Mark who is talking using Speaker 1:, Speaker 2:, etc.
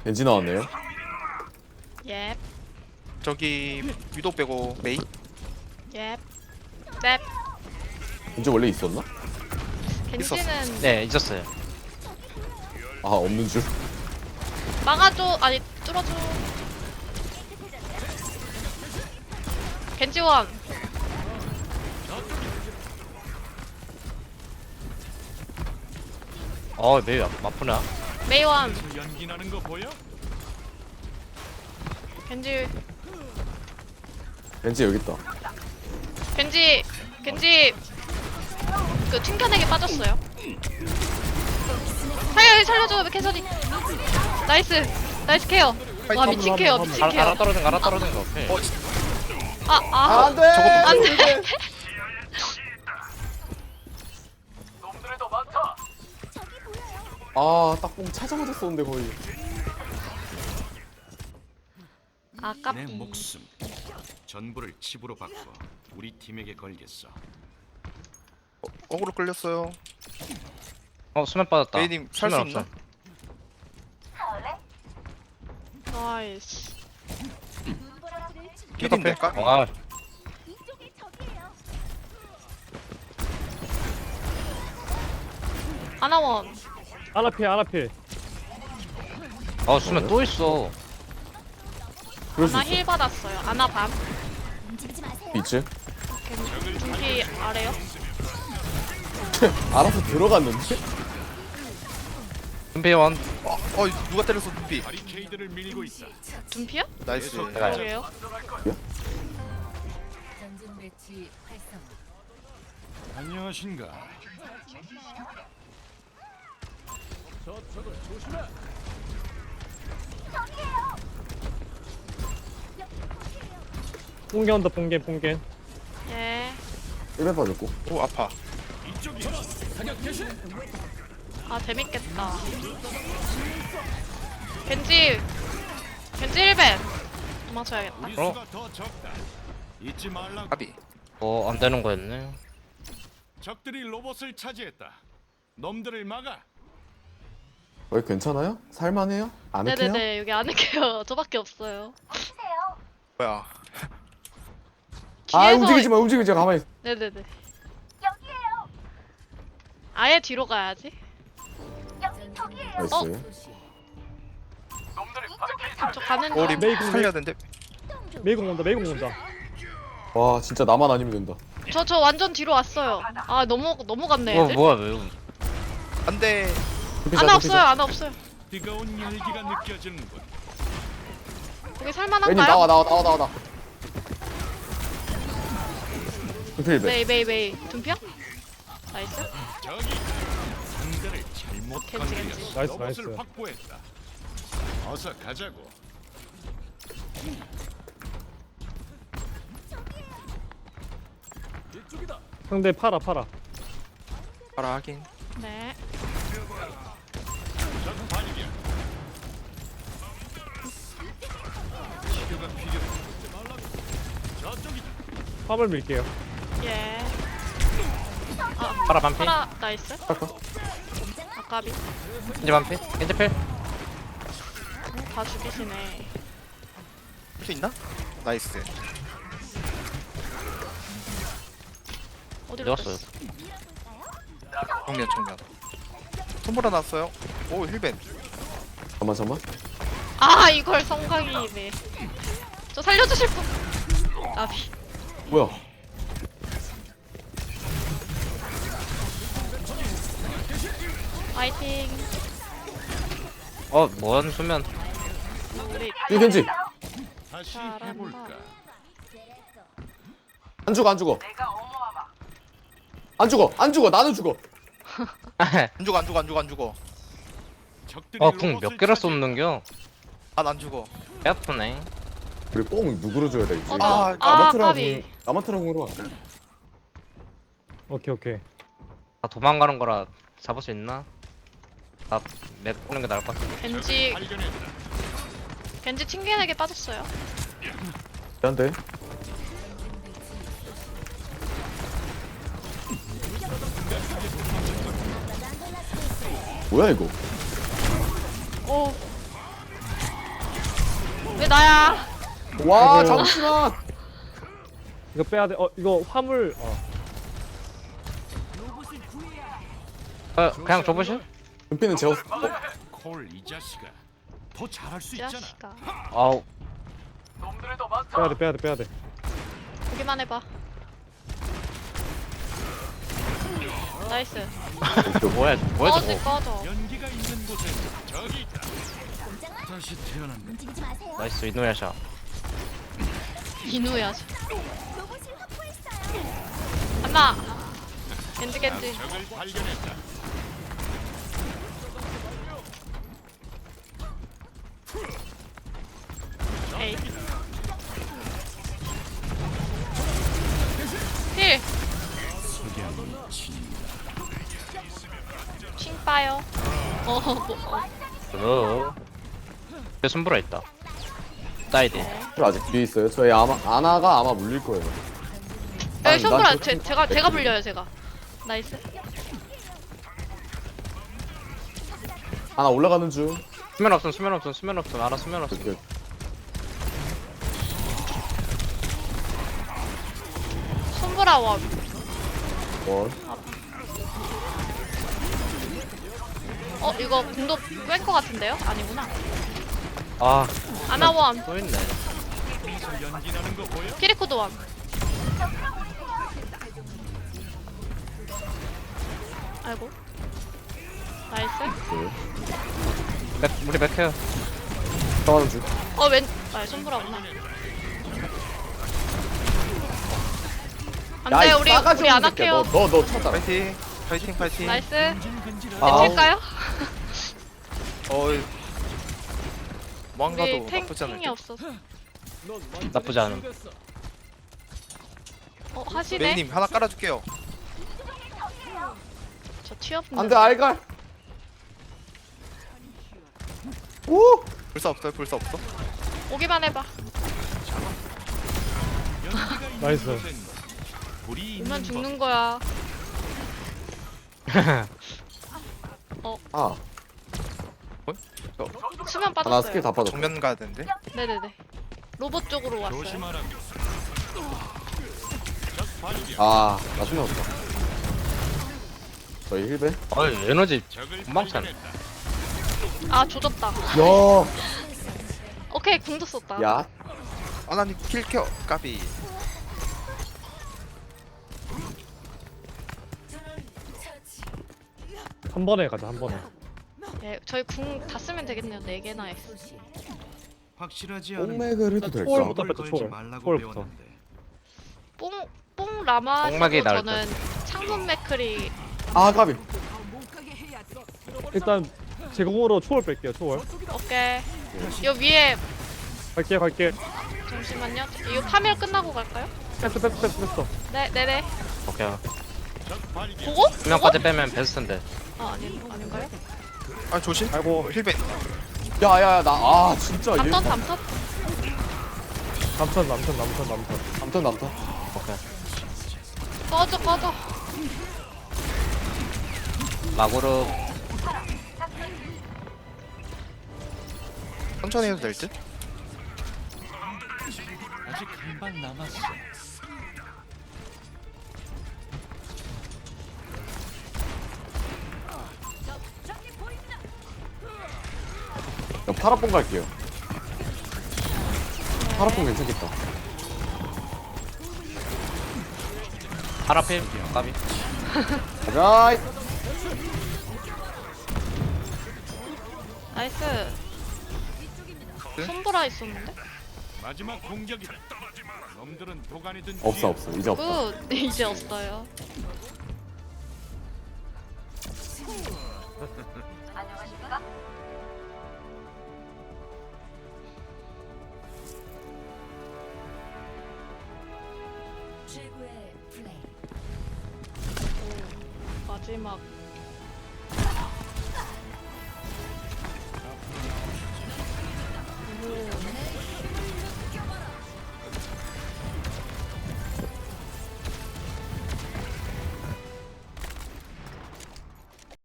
Speaker 1: 겐지 나왔네요.
Speaker 2: 예.
Speaker 3: 저기 위도 빼고 메이.
Speaker 2: 예. 넵.
Speaker 1: 겐지 원래 있었나?
Speaker 2: 겐지는
Speaker 4: 네 있었어요.
Speaker 1: 아 없는 줄.
Speaker 2: 막아줘. 아니 뚫어줘. 겐지원.
Speaker 4: 매우 아프나?
Speaker 2: 메이원.
Speaker 5: 연기나는 거 보여?
Speaker 2: 겐지.
Speaker 1: 겐지 여기 있다.
Speaker 2: 겐지. 겐지. 그 튕겨내기 빠졌어요. 살려줘 캐서디. 나이스. 나이스 케어. 와 미친 케어 미친
Speaker 4: 알아
Speaker 2: 케어.
Speaker 4: 떨어진 거 알아 떨어진 거. 오케이.
Speaker 1: 안돼.
Speaker 2: 안돼.
Speaker 1: 아 딱뽕 찾아맞아 쏘는데 거의.
Speaker 5: 내
Speaker 2: 아깝이.
Speaker 5: 목숨 전부를 칩으로 바꿔 우리 팀에게 걸겠어.
Speaker 3: 거꾸로 끌렸어요.
Speaker 4: 수면 빠졌다.
Speaker 3: 메이님 살 수
Speaker 4: 수면
Speaker 3: 있나?
Speaker 4: 없어.
Speaker 2: 나이스.
Speaker 3: 기딘 될까?
Speaker 4: 아
Speaker 2: 아나원.
Speaker 6: 아나필
Speaker 4: 수면 또 있어.
Speaker 1: 그럴 수
Speaker 2: 아나
Speaker 1: 있어.
Speaker 2: 힐 받았어요. 아나 밤.
Speaker 1: 있지?
Speaker 2: 둠피 아래요.
Speaker 1: 알아서 들어갔는데?
Speaker 4: 준비원.
Speaker 3: 누가 때렸어 눈빛.
Speaker 5: 바리케이드를 밀고 있다.
Speaker 2: 둠피요?
Speaker 3: 나이스.
Speaker 4: 내가
Speaker 2: 그러게요.
Speaker 7: 전진 배치 활성.
Speaker 5: 안녕하신가?
Speaker 6: 뽕겐 온다 뽕겐
Speaker 2: 예.
Speaker 1: 1배 빠졌고.
Speaker 3: 오 아파.
Speaker 2: 아 재밌겠다. 겐지 1벤 도망쳐야겠다.
Speaker 5: 우리 수가 더 적다. 잊지 말라고.
Speaker 3: 아비.
Speaker 4: 안 되는 거였네.
Speaker 5: 적들이 로봇을 차지했다. 놈들을 막아.
Speaker 1: 왜 괜찮아요? 살만해요? 안 해요?
Speaker 2: 네네네 여기 안 할게요. 저밖에 없어요.
Speaker 3: 뭐야?
Speaker 1: 아
Speaker 2: 뒤에서-
Speaker 1: 움직이지 마 움직이지 마 가만히. 있어.
Speaker 2: 네네네. 아예 뒤로 가야지.
Speaker 1: 나이스.
Speaker 7: 소시.
Speaker 2: 저 가는
Speaker 3: 우리
Speaker 2: 중.
Speaker 6: 메이공,
Speaker 3: 살려야 되는데.
Speaker 6: 메이공 온다
Speaker 1: 와 진짜 나만 아니면 된다.
Speaker 2: 저 완전 뒤로 왔어요. 아 너무 갔네 애들.
Speaker 4: 뭐야 왜?
Speaker 3: 안돼.
Speaker 2: 아나 없어요. 아나 없어요.
Speaker 5: 뜨거운 열기가 느껴지는군.
Speaker 2: 여기
Speaker 1: 애님
Speaker 2: 살만한가요?
Speaker 1: 나와. 필배.
Speaker 2: 메이 둠피야? 나이스.
Speaker 5: 저기 상대를 잘못
Speaker 2: 겐지,
Speaker 5: 건드렸어.
Speaker 2: 겐지.
Speaker 6: 나이스,
Speaker 5: 로봇을
Speaker 6: 나이스.
Speaker 5: 확보했다. 어서 가자고.
Speaker 6: 상대 팔아
Speaker 3: 봐라 하긴.
Speaker 2: 네.
Speaker 5: 적 반이야. 치료가 필요해. 잊지 말라고. 저쪽이다.
Speaker 6: 화물 밀게요
Speaker 2: 예.
Speaker 4: 파라 반피.
Speaker 2: 파라 나이스. 아까비.
Speaker 4: 겐지 반피. 겐지 필.
Speaker 2: 다 죽이시네.
Speaker 3: 할 수 있나? 나이스.
Speaker 2: 어디로
Speaker 4: 내갔어요.
Speaker 2: 뺐어?
Speaker 3: 정면. 손보라 났어요. 오 힐벤.
Speaker 1: 잠깐만.
Speaker 2: 아 이걸 성광이네. 저 살려주실 분. 아비.
Speaker 1: 뭐야?
Speaker 2: 파이팅.
Speaker 4: 뭔 수면.
Speaker 2: 우리
Speaker 1: 이 겐지.
Speaker 5: 다시
Speaker 2: 잘한다.
Speaker 5: 해볼까?
Speaker 1: 안 죽어. 나는 죽어.
Speaker 3: 안 죽어.
Speaker 5: 적들이
Speaker 4: 궁 몇
Speaker 5: 로봇을
Speaker 4: 개를
Speaker 5: 차지했다.
Speaker 4: 쏟는겨?
Speaker 3: 안 죽어.
Speaker 4: 배 아프네.
Speaker 1: 우리 뽕 누구로 줘야 되지?
Speaker 2: 아,
Speaker 1: 아마트라
Speaker 2: 까비.
Speaker 1: 아마트라 공으로 와.
Speaker 6: 오케이
Speaker 4: 다 도망가는 거라 잡을 수 있나? 나맵 보는 게 나을 것 같아.
Speaker 2: 겐지
Speaker 5: 발견했다.
Speaker 2: 겐지 튕겨내게 빠졌어요.
Speaker 1: 안돼. 뭐야 이거?
Speaker 2: 오 나야.
Speaker 1: 와
Speaker 6: 아이고.
Speaker 1: 잠시만.
Speaker 6: 이거 빼야 돼. 이거 화물.
Speaker 4: 그냥 줘보실?
Speaker 1: 은피는 재웠어.
Speaker 5: 콜 이 자식아. 더 잘할 수
Speaker 2: 이
Speaker 5: 있잖아.
Speaker 2: 자식아.
Speaker 4: 아우
Speaker 6: 빼야 돼.
Speaker 2: 보기만 해봐. 나이스.
Speaker 4: 뭐야
Speaker 2: 꺼져
Speaker 4: 저거
Speaker 2: 꺼져.
Speaker 5: 연기가 있는 곳에 저기 있다. 다시 태어난다.
Speaker 4: 나이스 이노야샤
Speaker 2: 이누야. 안나. 겐지.
Speaker 5: 적을 발견했다.
Speaker 2: 에이. 힐. 칭 빠요.
Speaker 4: 내 손보라 있다 사이드
Speaker 1: 아직 뒤에 있어요. 저희 아나가 아마 물릴 거예요.
Speaker 2: 여기 손보라
Speaker 1: 난 저-
Speaker 2: 제가 불려요 제가. 나이스.
Speaker 1: 아나 올라가는 중.
Speaker 4: 수면 없음 알아 수면 없음
Speaker 1: 이렇게
Speaker 2: 손보라 원.
Speaker 1: 원.
Speaker 2: 이거 궁도 뺄 것 같은데요? 아니구나.
Speaker 4: 아
Speaker 2: 아나 원.
Speaker 4: 또 있네
Speaker 5: 연기나는 거 보여?
Speaker 2: 키리코도 원. 아이고. 나이스.
Speaker 4: 우리 맥해요
Speaker 1: 들어가는 중.
Speaker 2: 손보라구나.
Speaker 1: 야,
Speaker 2: 안돼
Speaker 1: 이
Speaker 2: 우리
Speaker 1: 싸가지 없는
Speaker 2: 아나
Speaker 1: 새끼야.
Speaker 2: 케어.
Speaker 1: 너 찾아.
Speaker 3: 파이팅.
Speaker 2: 나이스.
Speaker 1: 아.
Speaker 2: 벤칠까요?
Speaker 3: 뭔가도
Speaker 2: 우리
Speaker 3: 나쁘지 않을
Speaker 2: 탱이
Speaker 3: 듯.
Speaker 2: 없어서.
Speaker 4: 나쁘지 않음
Speaker 2: 하시네.
Speaker 3: 메이님 하나 깔아줄게요.
Speaker 2: 저 취업.
Speaker 1: 안돼 알갈. 오.
Speaker 3: 불사 없어.
Speaker 2: 오기만 해봐.
Speaker 6: 나이스.
Speaker 5: 불이
Speaker 2: 오면
Speaker 5: 있는
Speaker 2: 죽는 거야.
Speaker 1: 아
Speaker 2: 수면
Speaker 1: 나 스킬
Speaker 2: 빠졌어요.
Speaker 1: 다 빠졌어.
Speaker 3: 정면 가야 되는데.
Speaker 2: 네네네. 로봇 쪽으로
Speaker 5: 법.
Speaker 2: 왔어요.
Speaker 5: 조심하라.
Speaker 1: 아나 수면 없다. 저희 힐배.
Speaker 4: 어이 에너지
Speaker 5: 적을
Speaker 4: 금방 차네
Speaker 5: 발견했다.
Speaker 2: 아 조졌다.
Speaker 1: 야.
Speaker 2: 오케이 궁도 썼다.
Speaker 1: 야.
Speaker 3: 아나님 킬켜 까비.
Speaker 6: 한 번에 가자 한 번에.
Speaker 2: 네, 저희 궁 다 쓰면 되겠네요. 4개나 해.
Speaker 5: 확실하지 않은
Speaker 1: 뽕맥을 해도 될까?
Speaker 6: 초월부터
Speaker 5: 걸
Speaker 6: 뺐다,
Speaker 5: 걸지
Speaker 6: 초월.
Speaker 5: 말라고
Speaker 6: 초월부터.
Speaker 5: 배웠는데.
Speaker 2: 뽕 라마
Speaker 4: 뽕막이
Speaker 2: 쓰고
Speaker 4: 나을
Speaker 2: 저는 창문 맥크리.
Speaker 1: 아 까비.
Speaker 6: 일단 제공으로 초월 뺄게요. 초월.
Speaker 2: 오케이. 요 위에
Speaker 6: 갈게.
Speaker 2: 잠시만요. 이거 파멸 끝나고 갈까요?
Speaker 6: 뺐어.
Speaker 2: 네네네.
Speaker 4: 오케이
Speaker 2: 보고?
Speaker 4: 수면까지 빼면 베스트인데
Speaker 2: 아닌가요?
Speaker 3: 아 조심.
Speaker 6: 아이고.
Speaker 3: 힐벤.
Speaker 1: 야야야 나 아 진짜 얘.
Speaker 2: 담턴.
Speaker 6: 남턴.
Speaker 1: 남턴.
Speaker 4: 오케이
Speaker 2: 꺼져.
Speaker 4: 마구르
Speaker 3: 천천히 해도 될 듯.
Speaker 5: 아직 한 방 남았어.
Speaker 1: 파라뽕 갈게요. 파라뽕 괜찮겠다.
Speaker 4: 파라필 까비
Speaker 1: 가자.
Speaker 2: 나이스.
Speaker 3: 네?
Speaker 2: 손보라 있었는데?
Speaker 5: 마지막 공격이다. 놈들은 도가니든
Speaker 1: 없어 이제 없다.
Speaker 2: 굿. 이제 없어요.
Speaker 7: 최고의 플레이.
Speaker 2: 마지막